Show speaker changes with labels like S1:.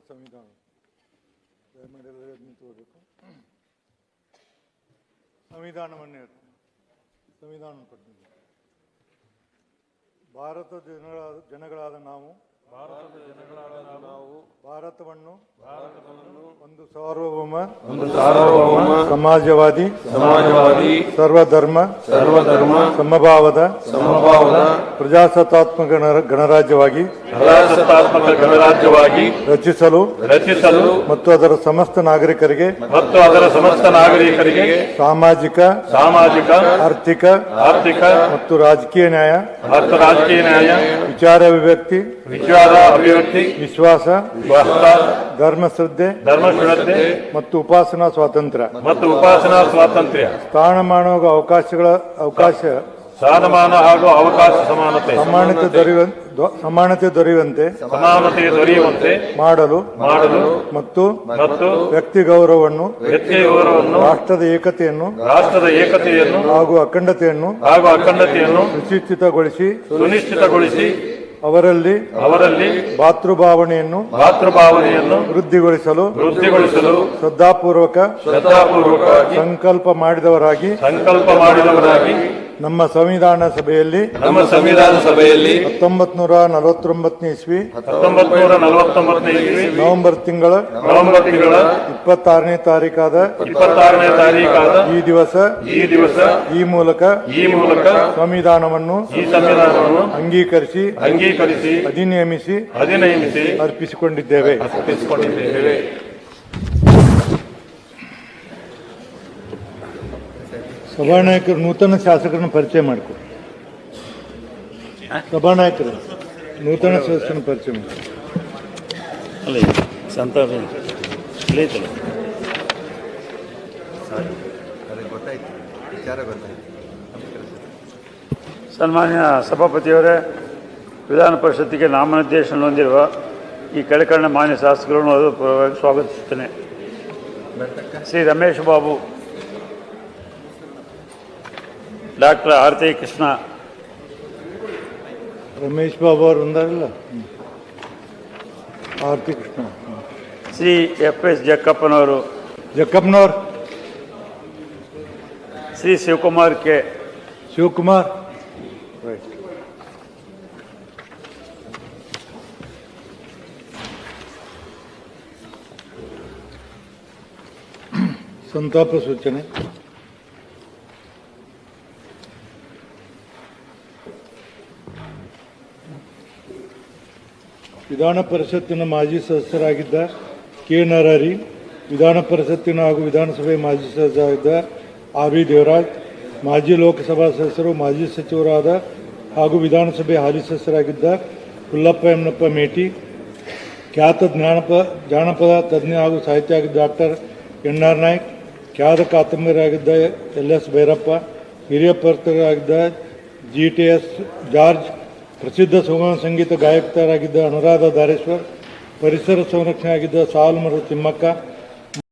S1: ಸಂವಿಧಾನ ದಯಮಾಡಿ ಎಲ್ಲರೂ ನಿಂತುಕೋಬೇಕು. ಸಂವಿಧಾನವನ್ನು ಸಂವಿಧಾನ ಕೊಟ್ಟಿದ್ದೀವಿ. ಭಾರತದ ಜನಗಳಾದ ನಾವು ಭಾರತವನ್ನು ಒಂದು ಸಾರ್ವಭೌಮ ಸಮಾಜವಾದಿ ಸರ್ವಧರ್ಮ ಸಮಭಾವದ ಪ್ರಜಾಸತ್ತಾತ್ಮಕ ಗಣರಾಜ್ಯವಾಗಿ ರಚಿಸಲು ಮತ್ತು ಅದರ ಸಮಸ್ತ ನಾಗರಿಕರಿಗೆ ಸಾಮಾಜಿಕ ಆರ್ಥಿಕ ಮತ್ತು ರಾಜಕೀಯ ನ್ಯಾಯ ವಿಚಾರ ಅಭಿವ್ಯಕ್ತಿ ವಿಶ್ವಾಸ ಧರ್ಮಶ್ರದ್ಧೆ ಮತ್ತು ಉಪಾಸನಾ ಸ್ವಾತಂತ್ರ್ಯ
S2: ಸ್ಥಾನಮಾನ ಹಾಗೂ ಅವಕಾಶ ಸಮಾನತೆ
S1: ಸಮಾನತೆ ದೊರೆಯುವಂತೆ ಮಾಡಲು ಮತ್ತು ವ್ಯಕ್ತಿ ಗೌರವವನ್ನು ರಾಷ್ಟ್ರದ ಏಕತೆಯನ್ನು ಹಾಗೂ ಅಖಂಡತೆಯನ್ನು ಸುನಿಶ್ಚಿತಗೊಳಿಸಿ ಅವರಲ್ಲಿ ಭಾತೃಭಾವನೆಯನ್ನು ವೃದ್ಧಿಗೊಳಿಸಲು ಶ್ರದ್ಧಾಪೂರ್ವಕ ಸಂಕಲ್ಪ ಮಾಡಿದವರಾಗಿ ನಮ್ಮ ಸಂವಿಧಾನ ಸಭೆಯಲ್ಲಿ 1949 ಇಸ್ವಿ ನವೆಂಬರ್ ತಿಂಗಳ 26ನೇ ತಾರೀಕಾದ ಈ ದಿವಸ ಈ ಮೂಲಕ ಸಂವಿಧಾನವನ್ನು ಅಂಗೀಕರಿಸಿ ಅಧಿನಿಯಮಿಸಿ ಅರ್ಪಿಸಿಕೊಂಡಿದ್ದೇವೆ. ಸಭಾನಾಯಕರು ನೂತನ ಶಾಸಕರನ್ನು ಪರಿಚಯ ಮಾಡಿಕೊ. ಸಭಾನಾಯಕರು ನೂತನ ಸದಸ್ಯರನ್ನು ಪರಿಚಯ ಮಾಡಿ.
S2: ಸನ್ಮಾನ್ಯ ಸಭಾಪತಿಯವರೇ, ವಿಧಾನ ಪರಿಷತ್ತಿಗೆ ನಾಮನಿರ್ದೇಶನ ಹೊಂದಿರುವ ಈ ಕೆಳಕಂಡ ಮಾನ್ಯ ಶಾಸಕರನ್ನು ಸ್ವಾಗತಿಸುತ್ತೇನೆ. ಶ್ರೀ ರಮೇಶ್ ಬಾಬು, ಡಾಕ್ಟರ್ ಆರತಿ ಕೃಷ್ಣ,
S1: ರಮೇಶ್ ಬಾಬು ಅವರು ಒಂದಾರಲ್ಲ, ಆರತಿ ಕೃಷ್ಣ,
S2: ಶ್ರೀ FS ಜಕ್ಕಪ್ಪನವರು, ಶ್ರೀ ಶಿವಕುಮಾರ್ ಕೆ,
S1: ರೈಟ್. ಸಂತಾಪ ಸೂಚನೆ. ವಿಧಾನ ಪರಿಷತ್ತಿನ ಮಾಜಿ ಸದಸ್ಯರಾಗಿದ್ದ ಕೆ. ನರಹರಿ, ವಿಧಾನ ಪರಿಷತ್ತಿನ ಹಾಗೂ ವಿಧಾನಸಭೆ ಮಾಜಿ ಸದಸ್ಯರಾಗಿದ್ದ RV ದೇವರಾಜ್, ಮಾಜಿ ಲೋಕಸಭಾ ಸದಸ್ಯರು, ಮಾಜಿ ಸಚಿವರಾದ ಹಾಗೂ ವಿಧಾನಸಭೆ ಹಾಲಿ ಸದಸ್ಯರಾಗಿದ್ದ ಹುಲ್ಲಪ್ಪ ಯಮನಪ್ಪ ಮೇಟಿ, ಖ್ಯಾತ ಜಾನಪದ ತಜ್ಞ ಹಾಗೂ ಸಾಹಿತ್ಯ ಆಗಿದ್ದ ಡಾಕ್ಟರ್ NR ನಾಯ್ಕ್, ಖ್ಯಾತ ಕಾದಂಬರಿಯಾಗಿದ್ದ LS ಭೈರಪ್ಪ, ಹಿರಿಯ ಪತ್ರಕರ್ತರಾಗಿದ್ದ GTS ಜಾರ್ಜ್, ಪ್ರಸಿದ್ಧ ಸುಗಮ ಸಂಗೀತ ಗಾಯಕರಾಗಿದ್ದ ಅನುರಾಧ ಧಾರೇಶ್ವರ್, ಪರಿಸರ ಸಂರಕ್ಷಣೆ ಆಗಿದ್ದ ಸಾಲುಮರದ ತಿಮ್ಮಕ್ಕ,